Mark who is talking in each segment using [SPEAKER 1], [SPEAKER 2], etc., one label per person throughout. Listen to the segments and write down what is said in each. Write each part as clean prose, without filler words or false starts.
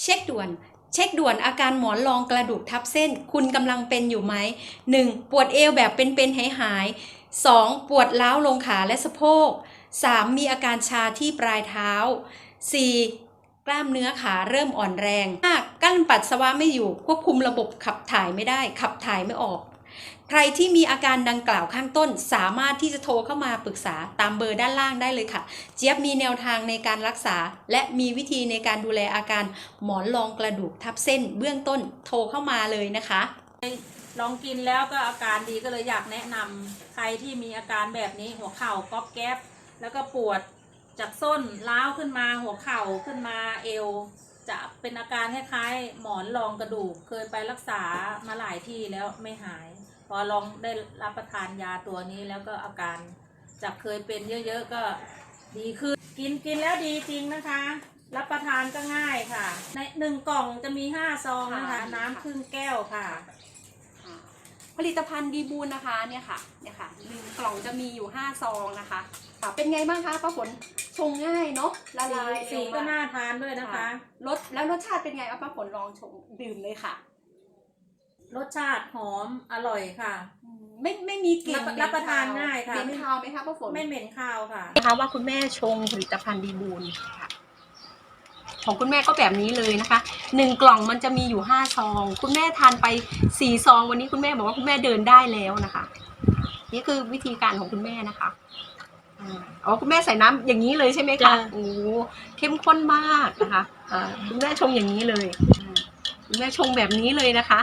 [SPEAKER 1] ช็คด่วนอาการหมอนรองกระดูกทับเส้นคุณกำลังเป็นอยู่ไหม 1. ปวดเอวแบบเป็นหาย 2. ปวดร้าวลงขาและสะโพก 3. มีอาการชาที่ปลายเท้า 4. กล้ามเนื้อขาเริ่มอ่อนแรง 5. กั้นปัสสาวะไม่อยู่ควบคุมระบบขับถ่ายไม่ได้ขับถ่ายไม่ออกใครที่มีอาการดังกล่าวข้างต้นสามารถที่จะโทรเข้ามาปรึกษาตามเบอร์ด้านล่างได้เลยค่ะเจี๊ยบมีแนวทางในการรักษาและมีวิธีในการดูแลอาการหมอนรองกระดูกทับเส้นเบื้องต้นโทรเข้ามาเลยนะคะ
[SPEAKER 2] ลองกินแล้วก็อาการดีก็เลยอยากแนะนำใครที่มีอาการแบบนี้หัวเข่าก๊อบแก๊บแล้วก็ปวดจากส้นล้าวขึ้นมาหัวเข่าขึ้นมาเอวจะเป็นอาการคล้ายๆหมอนรองกระดูกเคยไปรักษามาหลายที่แล้วไม่หายพอลองได้รับประทานยาตัวนี้แล้วก็อาการจากเคยเป็นเยอะๆก็ดีขึ้นกินแล้วดีจริงนะคะรับประทานก็ง่ายค่ะใน1 กล่องจะมี5 ซองนะคะน้ำครึ่งแก้วค่ะ
[SPEAKER 1] ผลิตภัณฑ์ดีบูลนะคะเนี่ยค่ะ1 กล่องจะมีอยู่5 ซองนะคะเป็นไงบ้างคะป้าฝนชงง่ายเนาะละลาย
[SPEAKER 2] สีก็น่าทานด้วยนะคะ
[SPEAKER 1] รสชาติเป็นไงป้าฝนลองชงดื่มเลยค่ะ
[SPEAKER 2] รสชาติหอมอร่อยค่ะ
[SPEAKER 1] ไม่มีกลิ่น
[SPEAKER 2] รับประทานง่ายค่ะ
[SPEAKER 1] เหม็นคาวไหมคะป้าฝน
[SPEAKER 2] ไม่เหม็นคาวค่ะ
[SPEAKER 1] นะคะว่าคุณแม่ชงผลิตภัณฑ์ดีบูลค่ะของคุณแม่ก็แบบนี้เลยนะคะ1 กล่องมันจะมีอยู่5 ซองคุณแม่ทานไป4 ซองวันนี้คุณแม่บอกว่าคุณแม่เดินได้แล้วนะคะนี่คือวิธีการของคุณแม่นะคะอ๋อคุณแม่ใส่น้ำอย่างนี้เลยใช่ไหมคะโอ้เข้มข้นมากนะคะคุณแม่ชงอย่างนี้เลยคุณแม่ชงแบบนี้เลยนะคะ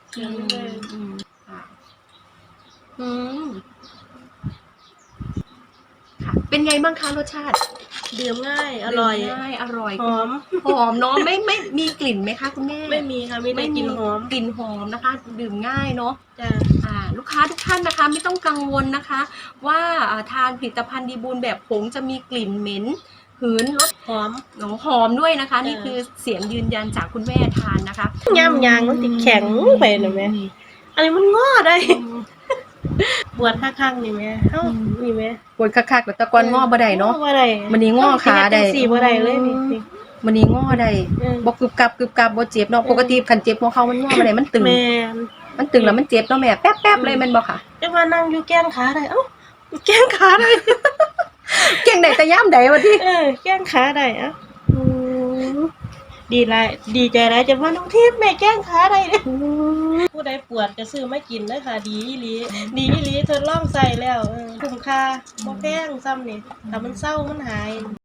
[SPEAKER 1] เป็นไงบ้างคะรสชาติ
[SPEAKER 2] ดื่มง่ายอร่อย
[SPEAKER 1] หอมเนาะไม่มีกลิ่นไหมคะคุณแม่
[SPEAKER 2] ไม่มีค่ะไม่ได้กลิ่นหอม
[SPEAKER 1] นะคะดื่มง่ายเนาะลูกค้าทุกท่านนะคะไม่ต้องกังวลนะคะว่าทานผลิตภัณฑ์ดีบูลแบบผงจะมีกลิ่นเหม็นหืนรสหอมด้วยนะคะนี่คือเสียงยืนยันจากคุณแม่ทานนะคะ
[SPEAKER 2] ย่ำยางมันติดแข็งไปนะแม่อันนี้มันงอได้ปวดข้างๆนี่แม่นี่แม่
[SPEAKER 1] ปวดคักๆแต่ตะกอนงอบ่ได้เนาะมันนี่งอขาได้
[SPEAKER 2] บ่ได้เลย
[SPEAKER 1] มันนี่งอได้บ่กึบกับบ่เจ็บเนาะปกติคันเจ็บของเขามันงอบ่ได้มันตึงแล้วมันเจ็บเนาะแม่แป๊บๆเลยแม่นบ่ค่ะ
[SPEAKER 2] จังว่านั่งอยู่แก้งขาได้แก้งขาได้
[SPEAKER 1] แก้งได้แต่ยามใดวะติ
[SPEAKER 2] แก้งขาได้ดีใจหลายจังว่าน้องทิพย์แม่แก้งขาได้ผู้ใดปวดก็ซื้อมากินเด้อค่ะดีอีหลีทดลองใส่แล้วคุ้มค่าบ่แพงซ้ำนี่ถ้ามันเศร้ามันหาย